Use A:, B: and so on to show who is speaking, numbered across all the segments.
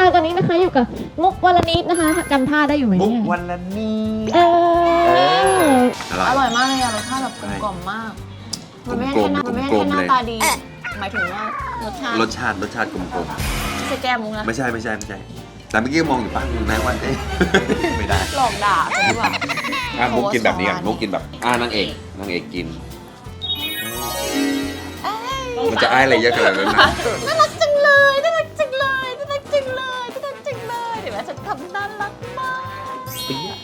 A: ตอนนี้นะคะอยู่กับมุกวลนิดนะคะจำท่าได้อยู่ไหม
B: มุก
A: เนี่ย
B: วันละนี้
A: อร่อยมากเลยอะรสชาติแบบกลมกล่อมมากมันไม่ใช่แค่หน้าตาดีหมายถึงว่ารสชาติ
B: รสชาติกลม
A: ไม่ใช่แก้มุกนะ
B: ๆไม่ใช่แต่เมื่อกี้มองอยู่ปะนายว่าเอ๊ะ ไม่ได้
A: หลอกด่ากันดีกว่า
B: มุกกินแบบนี้กันมุกกินแบบนางเอกกินมันจะอ้ายอะไรเยอะขนาดนั้นนะ
A: น่ารักจังเลยน่ารักจังเลยน่ารักจังเลยน่ารักจังเลยเดี๋ยวแม่ฉันทำน่ารักมาก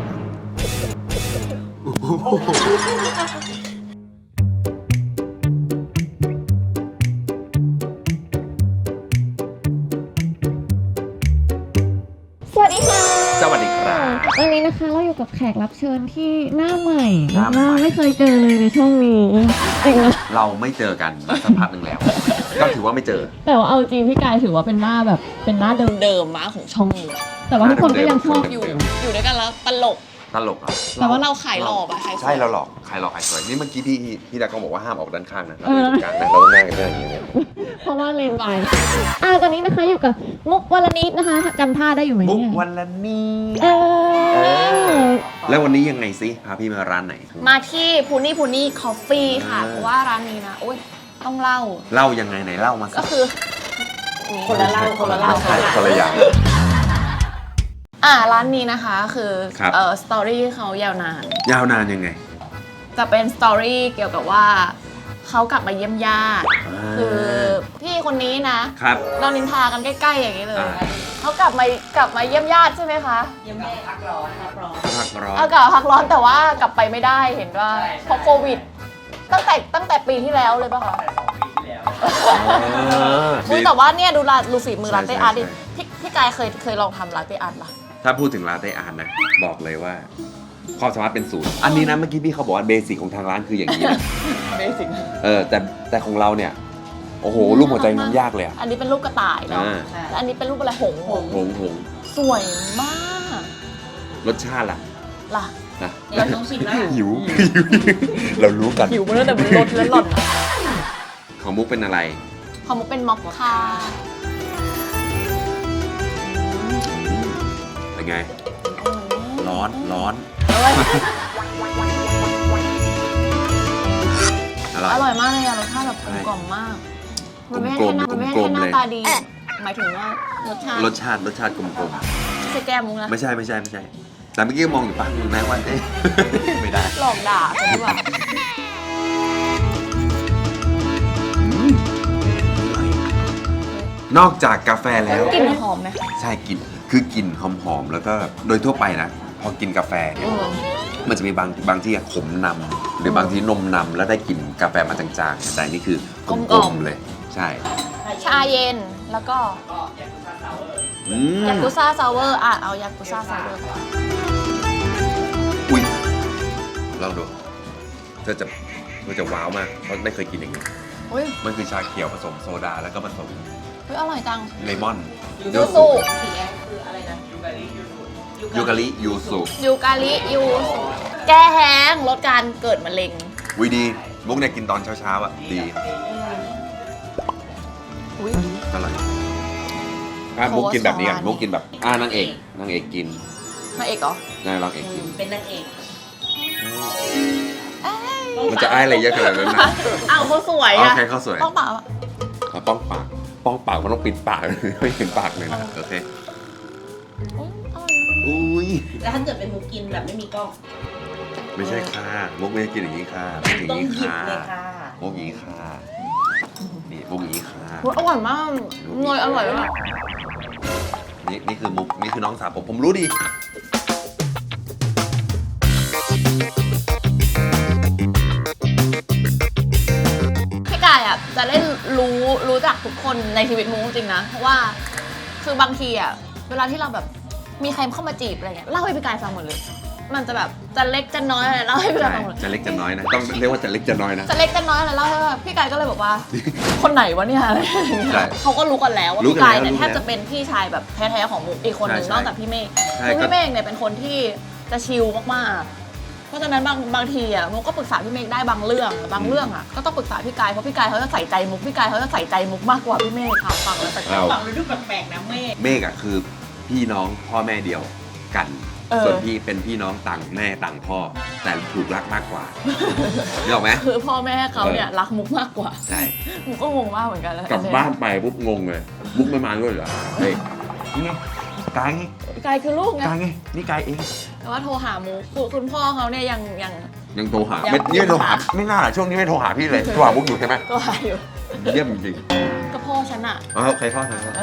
A: สวัสดีค่ะ
B: สวัสดีครับ
A: วันนี้นะคะเราอยู่กับแขกรับเชิญที่หน้าใหม่
B: หน้าใหม่
A: ไม่เคยเจอเลยในช่องนี้จริงนะ
B: เราไม่เจอกันมาสักพักหนึ่งแล้ว ก็ถือว่าไม่เจอ
A: แต่ว่าเอาจริงพี่กายถือว่าเป็นหน้าแบบเป็นหน้าเดิมๆมากของช่องนี้แต่ว่าทุกคนก็ยังชอบอยู่ด้วยกันแล้วตลก
B: ตลกเหรอ
A: แต่ว่าเราขายหล่อป่ะขายสวย
B: ใช่เราหลอกขายสวยนี่เมื่อกี้พี่ดาก็บอกว่าห้ามออกด้านข้างนะเรา
A: เออ
B: อยู่ตรงกลางนะเราต้องนั่งกันอย่างนี้เลย
A: เพราะว่าเลนไปตอนนี้นะคะอยู่กับมุกวลนิดนะคะจำท่าได้อยู่ไหม
B: มุก
A: เนี่ย
B: วันละนี้
A: เออ
B: แล้ววันนี้ยังไงซิพาพี่มาร้านไหน
A: มาที่พูนี่คอฟฟี่ค่ะเพราะว่าร้านนี้นะโอ๊ยต้องเล่า
B: เล่ายังไงไหนเล่ามาสิ
A: ก็คือคนละเล่า
B: คนละอย่าง
A: ร้านนี้นะคะคือ
B: ครับ
A: สตอรี่เขายาวนาน
B: ยาวนานยังไง
A: จะเป็นสตอรี่เกี่ยวกับว่าเขากลับมาเยี่ยมญาติคือพี่คนนี้นะครับ เรานินทากันใกล้ๆอย่างนี้เลย
B: อ่า
A: เขากลับมาเยี่ยมญาติใช่ไหมคะ
C: เยี่ยมแม่พักร้อน
B: พักร้อน
A: เอากลับมาพักร้อนแต่ว่ากลับไปไม่ได้เห็นว่าเพราะโควิด ตั้งแต่ปีที่แล้วเลยป่ะคะ อุ๊ยแต่ว่าเนี่ยดูฝีมือลาเต้อาร์ตดิพี่กายเคยลองทำลาเต้อาร์ตปะ
B: ถ้าพูดถึงลาเต้อาร์ตนะ บอกเลยว่าความสามารถเป็นศูนย์อันนี้นะเมื่อกี้พี่เขาบอกว่าเบสิกของทางร้านคืออย่างนี้นะ
A: เบสิก
B: แต่ของเราเนี่ย โอ้โหรูปหัวใจมันยากเลยอะ
A: อันนี้เป็นรูปกระต่ายเนาะ แล้วอันนี้เป็นรูปอะไรหงส์
B: หง
A: สวยมาก
B: รสชาติล่ะ
A: ล่ะ
B: นะ
C: เดี๋ยวต้องชิมแล้ว
B: หิว เรารู้กัน
A: หิวมาตั้งแต่บนรถแล้วหล่อน
B: ของมุกเป็นอะไร
A: ของมุกเป็นม็อกคา
B: เป็นไง ร้อน
A: อร่อยมากเลยอะรสชาติแบบกลมกล่อมมาก มันไม่ใช่แค่หน้าตาดี หมายถึงว่ารสชาติ
B: รสชาติกลม
A: ไม่ใช่แก้มุกนะ
B: ๆไม่ใช่แต่เมื่อกี้มองอยู่ปะนายว่าเอ๊ะ ไม่ได้
A: หลอกด่ากันดีกว่า
B: นอกจากกาแฟแล้ว
A: กลิ่นหอมไหม
B: ใช่กลิ่นคือกลิ่นหอมๆแล้วก็โดยทั่วไปนะ พอกินกาแฟเนี่ยมันจะมีบางที่ขมนำหรือบางที่นมนำแล้วได้กลิ่นกาแฟมาจางๆแต่อันนี่คือกลมๆเลย ใช่
A: ชาเย็นแล้วก็
B: อืม
A: ยากุซ่าซาวเวอร์เอายากุซ่าซาวเวอร์
B: อุ้ยลองดูเธอจะว้าวมากเพราะไม่เคยกินอย่างนี้
A: อุ้ย
B: มันคือชาเขียวผสมโซดาแล้วก็ผสม
A: อร่อยจัง
B: เลมอน
A: ยูสุ
C: สีแดงคืออะไรนะยูกาลิ
B: ยูกาลิยูสุ
A: ยูกาลิยูสุแก้แห้งลดการเกิดมะเร็ง
B: วิดีมุกเนี่ยกินตอนเช้าๆอ่ะดี
A: อุ้ย
B: อร่อยมุกกินแบบนี้กันมุกกินแบบนางเอกกิน
A: นางเอกเหรอ
B: นางเอกกิน
C: เป็นนางเอก
B: มันจะอ้ายอะไรเยอะขนาดนั้นนะ
A: อ้าวเขาสวย
B: โอ
A: อะ
B: เคเขาสวย
A: ต้องเปล่าอะ
B: ป้องปากมันต้องปิดปาก ไม่เห็นปากเลยนะโอเค
A: อุ๊ยอร่อยนะ
B: อุ้ย
C: แล้วถ้าเกิดเป็นมุกกินแบบไม่มีกล้อง
B: ไม่ใช่ค่ะมุกไม่ได้กินอย่างนี้ค่ะมุกอย่าง
C: ต้อง
B: นี้
C: หยิบ
B: ค่ะ
C: เลยค่ะ
B: มุกอย่างนี้ค่ะนี่มุกอย่างนี้ค่ะ
A: อุ๊ยอร่อยมากเนยอร่อยมาก
B: นี่คือมุกนี่คือน้องสาวผมรู้ดี
A: พี่กายอะจะได้รู้จักทุกคนในชีวิตมุกจริงนะเพราะว่าคือบางทีอะเวลาที่เราแบบมีใครเข้ามาจีบอะไรเงี้ยเล่าให้พี่กายฟังหมดเลย มันจะแบบจะเล็กจะน้อยอะไรเล่าให้พี่กายฟังหมดเลย
B: จะเล็กจะน้อยนะต้องเรียกว่าจะเล็กจะน้อยนะ
A: จะเล็กจะน้อยอะไรเล่าให้ว่าพี่กายก็เลยบอกว่า คนไหนวะเนี่ยอะไรอย่างเงี้ย
B: ใช่
A: เขาก็รู้กันแล้วว่า
B: รู้
A: พี่
B: กัน
A: กาย
B: แล้ว
A: เนี่ย
B: รู้
A: แท
B: กัน
A: บ
B: แล้ว
A: จะเป็นพี่ชายแบบแท้ๆของมุกอีกคนหนึ่ง
B: ใช่
A: นอกจากพี่เมฆ
B: ใช่
A: คือ
B: ก็
A: พี่เมฆเนี่ยเป็นคนที่จะชิลมากราะฉะนั้นบางทีอ่ะมุกก็ปรึกษาพี่เมฆได้บางเรื่องอ่ะก็ต้องปรึกษาพี่กายเพราะพี่กายเขาจะใส่ใจมุกพี่กายเขาจะใส่ใจมุกมากกว่าพี่เมฆค่ะฟังแล้วแต่
B: อ้าว
C: ฟังเลยดูแปลกๆนะเมฆ
B: เมฆอะคือพี่น้องพ่อแม่เดียวกัน ส่วนพี่เป็นพี่น้องต่างแม่ต่างพ่อ แต่ถูกรักมากกว่านึกออกไหม
A: คือพ่อแม่เขาเนี่ยรักมุกมากกว่า
B: ใช่
A: มุกก็งงมากเหมือนกันแล้ว
B: กลับบ้านไปปุ๊บงงเลยมุกไม่มาด้วยเหรอเฮ้ยนี่ไงกายไง
A: กายคือลูกไง
B: กายไงนี่กายเอง
A: แต่ว่าโทรหามุกคือคุณพ่อเขาเนี่ยยัง
B: ยังโทรหา
A: ยัง
B: ไม่โทรหาไม่น่าช่วงนี้ไม่โทรหาพี่เลยโทรหามุกอยู่ใช่ไหม
A: ก็หาอยู่
B: เยี่ยมจริง
A: ก็พ่อฉันอะ
B: อ๋อใครพ่อใครพ่อ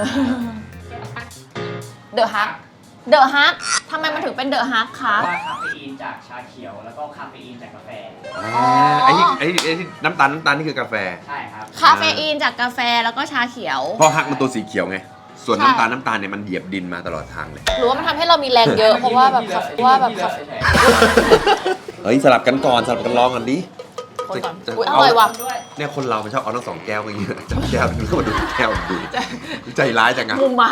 A: เดอะฮักทำไมมันถึงเป็นเดอะฮักคะ
D: ว่าคาเฟอีนจากชาเขียวแล้วก็คาเฟอีนจากกาแฟ
B: ไอ้ที่น้ำตาลนี่คือกาแฟ
D: ใช่ครับ
A: คาเฟอีนจากกาแฟแล้วก็ชาเขียว
B: เพราะฮักมันตัวสีเขียวไง ส่วน
A: ใช่
B: น้ำตาลเนี่ยมันเหยียบดินมาตลอดทางเลย
A: หรือว่ามันทำให้เรามีแรงเยอะเพราะว่าแบบ
B: เฮ้ยสลับกันก่อนสลับกันลองกันดิ
A: คนก่อน
B: จะ
A: อุ๊ยอร่อยว่ะ
B: เนี่ยคนเรามันชอบเอาทั้ง2 แก้วอย่างเงี้ยจับแก้วนึงก็มาดูแก้วดูใจร้ายจังอะ
A: มุมมา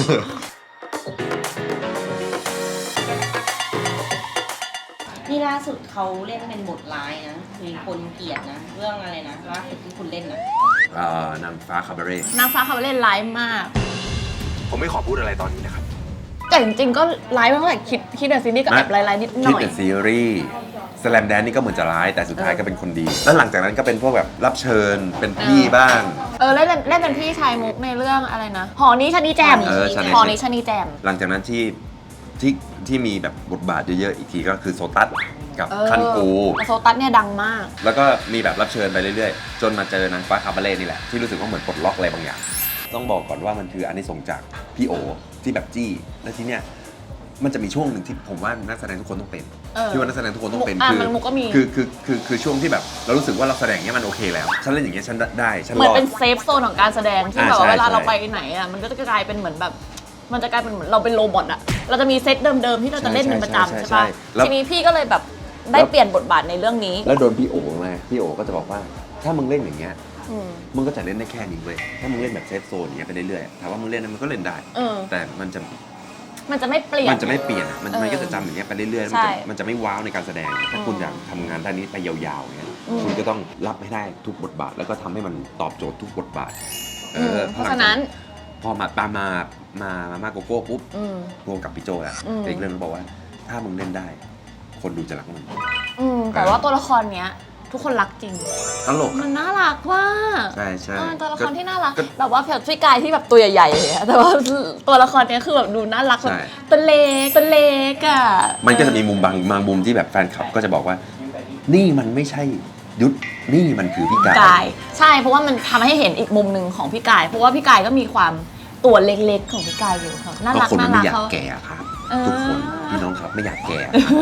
C: นี่ล่าสุดเขาเล่นเป็นบทร้ายนะมีคนเกลียดนะ เรื่องอะไรนะล่าสุดที่คุณเล่นนะ
B: นางฟ้าคาบาเร่
A: นางฟ้าเขาเล่นไลฟ์มาก
B: ผมไม่ขอพูดอะไรตอนนี้นะครับ
A: แต่จริงๆก็ไลฟ์มาตั้งแต่คิดเดอะซีรีส์ก็แอบไลฟ์นิดห
B: คิด
A: น่อย
B: แต่ซีรีส์สแลมแดนนี่ก็เหมือนจะร้ายแต่สุดท้ายก็เป็นคนดี แล้วหลังจากนั้นก็เป็นพวกแบบรับเชิญเป็นพี่บ้าง
A: เล่นเป็นพี่ชายมุกในเรื่องอะไรนะหอนี้ชะนีแจม หอนี้ชะนีแจม
B: หลังจากนั้นที่มีแบบบทบาทเยอะๆอีกทีก็คือโซตัสกับคันกู
A: โซตัสเนี่ยดังมาก
B: แล้วก็มีแบบรับเชิญไปเรื่อยๆ จนมาเจอนางฟ้าคาบาเร่นี่แหละ ที่รู้สึกว่าเหมือนปลดล็อกอะไรบางอย่าง ต้องบอกก่อนว่ามันคืออานิสงส์จากพี่โอที่แบบจี้ แล้วทีเนี้ยมันจะมีช่วงหนึ่งที่ผมว่านักแสดงทุกคนต้องเป็น ที่ว่านักแสดงทุกคนต้องเป็น
A: มุกก็มี
B: คือช่วงที่แบบเรารู้สึกว่าเราแสดงเนี้ยมันโอเคแล้ว ฉันเล่นอย่างเงี้ยฉันได้ฉัน
A: เหมื
B: ร
A: อน
B: อด
A: เป็นเซฟโซนของการแสดงที่แบบว่า
B: ใช่
A: เวลาเรา
B: ใช่
A: ไปไหนอ่ะมันก็จะกลายเป็นเหมือนแบบ มันจะกลายเป็นเหมือนเราเป็นโรบอทอ่ะเราจะมีเซตเดิมๆที่เราจะเล่นเป็นประจำใช่ปะทีนี้พี่ก็เลยแบบได้เปลี่ยนบทบาทในเรื่องนี้
B: แล้วโดนพี่โอมาพี่โอก็จะบอกว่าถ้ามึงเล่นอย่างเงี้ย
A: อืม
B: มึงก็จะเล่นได้แค่นี้เว้ยถ้ามึงเล่นแบบเซฟโซนอย่างเงี้ยไปเรื่อยๆถามว่ามึงเล่นนั้นมันก็เล่นได้ แต่มันจะ
A: ไม่เปลี่ยน
B: มันจะไม่เปลี่ยนอะมันก็จะจำอย่างเงี้ยไปเรื่อยๆ
A: ใช่
B: มันจะไม่ว้าวในการแสดง ถ้าคุณอยากทำงานด้านนี้ไปยาวๆเนี่ยคุณก็ต้องรับให้ได้ทุกบทบาท แล้วก็ทำให้มันตอบโจทย์ทุกบทบาท
A: เพราะฉะนั้น
B: พอมาโกโก้ปุ๊บรวมกับพี่โจแล้ว เอกเรื่องนั้นบอกว่า ถ้ามึงเล่นได้ คนดูจะรักมึง
A: แต่ว่าตัวละครเนี้ย ทุกคนรักจริง
B: ตลก
A: มันน่ารักว่า
B: ใช่ใช่
A: ตัวละครที่น่ารักแบบว่าพี่กายที่แบบตัวใหญ่ๆอย่างเงี้ยแต่ว่าตัวละครเนี้ยคือแบบดูน่ารักแบบตัวเล็กอ่ะ
B: มันก็จะมีมุมบางมุมที่แบบแฟนคลับก็จะบอกว่า นี่มันไม่ใช่ยุทธนี่มันคือพี่กาย
A: กายใช่เพราะว่ามันทำให้เห็นอีกมุมหนึ่งของพี่กาย เพราะว่าพี่กายก็มีความตัวเล็กๆของพี่กายอยู่ครับน่า
B: ก็
A: รัก
B: คนมัน
A: น่า
B: ไม่
A: รัก
B: อยาก
A: เขา
B: แก่ครับทุกคนพี่น้องครับไม่อยากแก่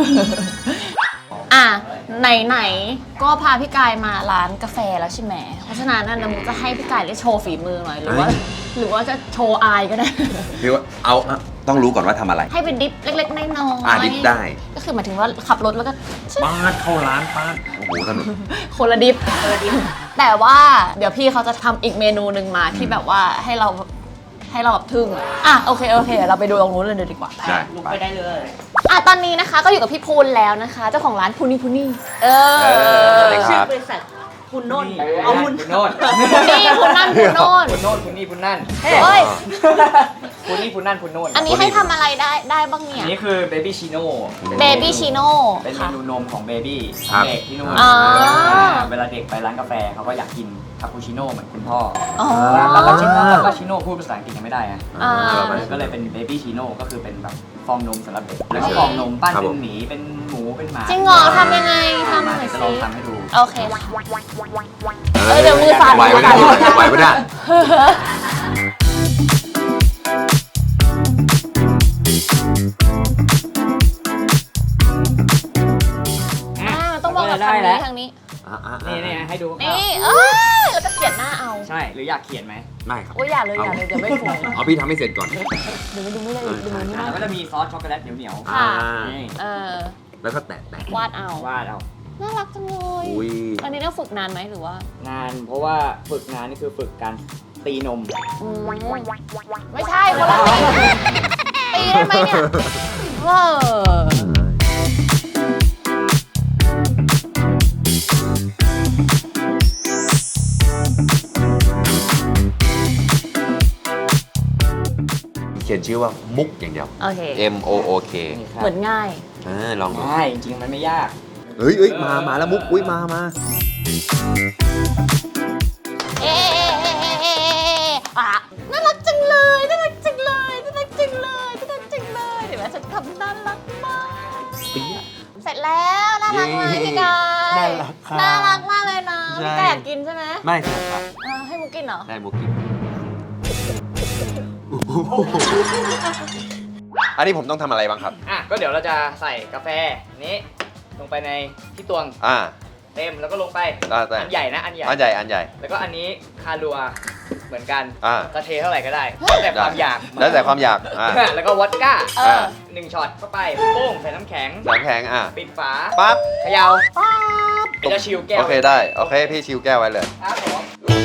A: อ่ะไหนๆก็พาพี่กายมาร้านกาแฟแล้วใช่ไหมเพราะฉะนั้นนะมุกจะให้พี่กายได้โชว์ฝีมือหน่อยหรือว่าจะโชว์อายก็ได้
B: พี่ว่าต้องรู้ก่อนว่าทำอะไร
A: ให้เป็นดิฟเล็กๆน้อยๆ
B: ดิฟได้
A: ก็คือหมายถึงว่าขับรถแล้วก็
B: ปาดเข้าร้านปาดโอ้โหถนน
A: คนละดิฟแต่ว่าเดี๋ยวพี่เขาจะทำอีกเมนูหนึ่งมาที่แบบว่าให้เราแบบทึ่งโอเคเราไปดูตรงนู้นเลยดีกว่า
B: ได้
C: ลุกไปได้เลย
A: ตอนนี้นะคะก็อยู่กับพี่พูนแล้วนะคะเจ้าของร้านพูนี่
B: สวัสดีค
C: ชื่
B: รั
C: อบ บริษัทคุณโน่นเอาคุณ
D: คุณโน่น
A: พูนี่พูนนั่นพูนโน่น
D: คุณโน่นคุณนี่คุณนั่น
A: เฮ้ย
D: คุณนี่คุณนั่นคุณโน่น
A: อันนี้ให้ทำอะไรได้บ้างเนี่
D: อั
A: ย
D: นนี้คือเบบี้ชิโน่
A: เบบี้ชิโน่
D: เป็นเม
A: ค่ะ
D: นูนมของเบบี้
B: ครับ
D: เด็กที่นู่น
A: อ๋อ
D: เวลาเด็กไปร้านกาแฟเขาก็อยากกินคาปูชิโน่เหมือนคุณพ่อ
A: อ๋อ
D: แล้วก็ชิโน่พูดภาษาอังกฤษยังไม่ได้อะ
A: อ่า
D: ก็เลยเป็นเบบี้ชิโน่ก็คือเป็นแบบฟองนมสำหรับเด็กแล้วก็ฟองนมปั้น
B: ครับ
D: เป็
B: ผม
D: นหมีเป็นหมูเป็นหมา
A: จริงเหรอทำยังไงทำหน่อย
D: จะ
A: สิ
D: ลองทำให้ดู
A: โอเคค่ะเดี๋ยวมือสั่น
B: ไหวไหมเนี่ยไหวไหมเนี่ย
A: ต้องมองกับทางนี้
D: นี่ให้ดู
A: นี่แล้วก็เขียนหน้าเอา
D: ใช่หรืออยากเขียนไหม
B: ได้ครับ
A: โอ้ยอย่าเลยเดี๋ยวไม่สวย
B: เอาพี่ทำให้เสร็จก่อน
A: เดี๋ยวไม่ดูไม่ได้ดูไม่
D: แล้ว
A: ได้
D: ก็จะมีซอสช็อกโกแลตเหนียว
A: ค่ะ
D: นี่
B: แล้วก็แตะ
A: วาดเอา
D: วาดเอา
A: น่ารักจังเลย
B: อุ้ย
A: อันนี้ต้องฝึกนานไหมหรือว่า
D: งานเพราะว่าฝึกงานนี่คือฝึกการตีนม
A: ไม่ใช่คนละตีได้ไหมเนี่ย
B: ชื่อว่ามุกอย่างเดียว
A: โอเค
B: M O O K
D: นี่ครับ
A: เหมือนง่าย
B: ลองดู
D: ง่ายจริงๆมันไม่ยาก
B: เฮ้ยมาแล้วมุกอุ้ยมา
A: เอ๊อ่ะน่ารักจังเลยน่ารักจังเลยน่ารักจังเลยน่ารักจังเลยเดี๋ยวแม่ฉันทำน่ารักมากเสร็จแล้วน่ารักไหมพี่กาย
B: น่ารักครับ
A: น่ารักมากเลยนะ
B: ใช่
A: พี่กายอยากกินใช่ไหม
B: ไม่ใช่ครับ
A: ให้มุกกินเหรอ
B: ได้มุกกินอันนี้ผมต้องทำอะไรบ้างครับ
D: อ่ะก็เดี๋ยวเราจะใส่กาแฟนี้ลงไปในที่ตวง
B: อ่า
D: เต็มแล้วก็ลงไป
B: ได้
D: อันใหญ่นะอันใหญ่
B: อันใหญ่
D: แล้วก็อันนี้คารัวเหมือนกัน
B: อ่า
D: จะเทเท่าไหร่ก็ได้แล้วแต่ความอยาก
B: แล้วแต่ความอยาก
D: แล้วก็วอดก้า
A: เออ
D: 1ช็อตเข้าไปโป้งใส่น้ำแข็ง
B: น้ำแข็ง
D: ปิดฝา
B: ปั๊บ
D: เขย่า
A: ป๊าบ
D: เป็นจะชิลแก้ว
B: โอเคได้โอเคพี่ชิวแก้วไว้เลย
D: ครับผม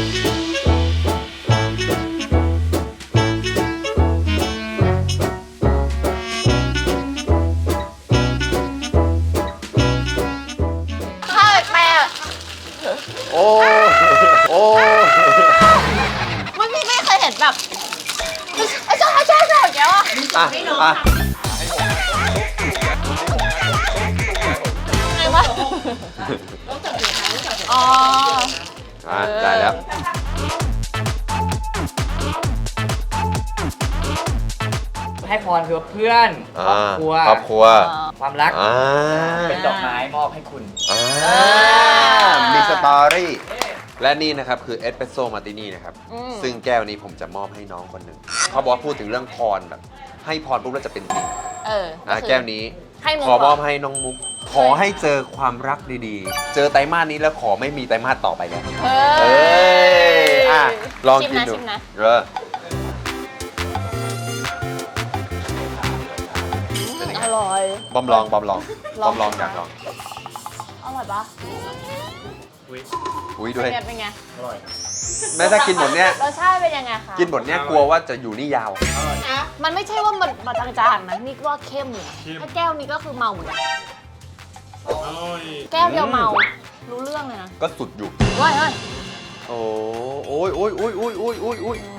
A: ข้าวแปลก
B: โอ้
A: ไม่เคยเห็นแบบชอบอย่างเงี้ยว่ะ
B: อ่ะ
A: ไงวะอ๋อ
B: ได้แล้ว
D: ให้พรคือเพื่อน ครอบครัว
B: ครอบครัว
D: ความรัก
B: อ่า
D: เป็นดอกไม้มอบให้คุณ
B: มีสตอรี่และนี่นะครับคือเอสเปรสโซ่มาร์ตินี่นะครับซึ่งแก้วนี้ผมจะมอบให้น้องคนหนึ่งเขาบอกว่าพูดถึงเรื่องพรแบบให้พรปุ๊บแล้วจะเป็นจริง แก้วนี้
A: ให้มุก
B: ขอมอบให้น้องมุก ขอให้เจอความรักดีๆ เจอไตรมาสนี้แล้วขอไม่มีไตรมาสต่อไปแล้ว
A: เฮ้ย
B: ลองกินดู
A: ชิมนะ อร่อย
B: บอมลองอยากลอง
A: อร่อยปะ
B: อุ้ยด้วย
A: เป็นไง
B: แม้ถ้ากินหมดเนี้ย
A: รสชาติเป็นยังไงคะ
B: กินหมดเนี้ยกลัวว่าจะอยู่นี่ยาว
A: มันไม่ใช่ว่ามันมาจางๆนะนี่ว่าเข้มเลยอะถ้าแก้วนี้ก็คือเมาเหมือนกันแก้วเดียวเมา รู้เรื่องเลยนะ
B: ก็สุดอยู่
A: เฮ้ย
B: โอ้ย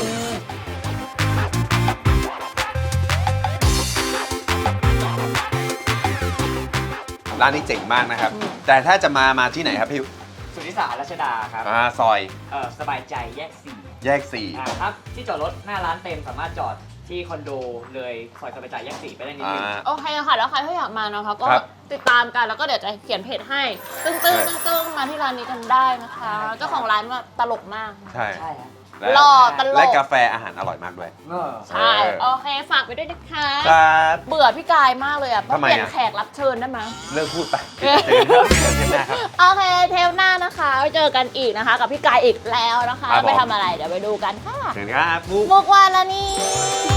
B: ร้านนี้เจ๋งมากนะครับ แต่ถ้าจะมาที่ไหนครับพี่
D: สุนิสารัชดาครับ
B: ซอย
D: สบายใจแยก
B: แยก 4
D: ครับ ที่จอดรถหน้าร้านเต็มสามารถจอดที่คอนโดเลยซอยสบายใจแยก 4 ไปได้นิดนึง
A: โอเคค่ะ แล้วใครที่อยากมานะคะก็
B: ครับ
A: ติดตามกันแล้วก็เดี๋ยวจะเขียนเพจให้ ตึ้งมาที่ร้านนี้กันได้นะคะเจ้าของร้านว่าตลกมาก
B: ใช่
D: ใช่ครับ
B: และ
A: หล่อตลก
B: และกาแฟอาหารอร่อยมากด้วย
A: ใช่ โอเค ฝากไปด้วยนะคะ
B: ครับ
A: เบื่อพี่กายมากเลยอ่ะ
B: ทำไม
A: เปลี่ยน
B: อะ
A: แขกรับเชิญได้ไหม
B: เลิกพูดไปเจอกันเทปหน้าครับ
A: โอเค เทปหน้านะคะไว้เจอกันอีกนะคะ กับพี่กายอีกแล้วนะคะ
B: ครับผม
A: ไปทำอะไร เดี๋ยวไปดูกันค่ะ
B: เชิญครับ
A: มุกวานละนี่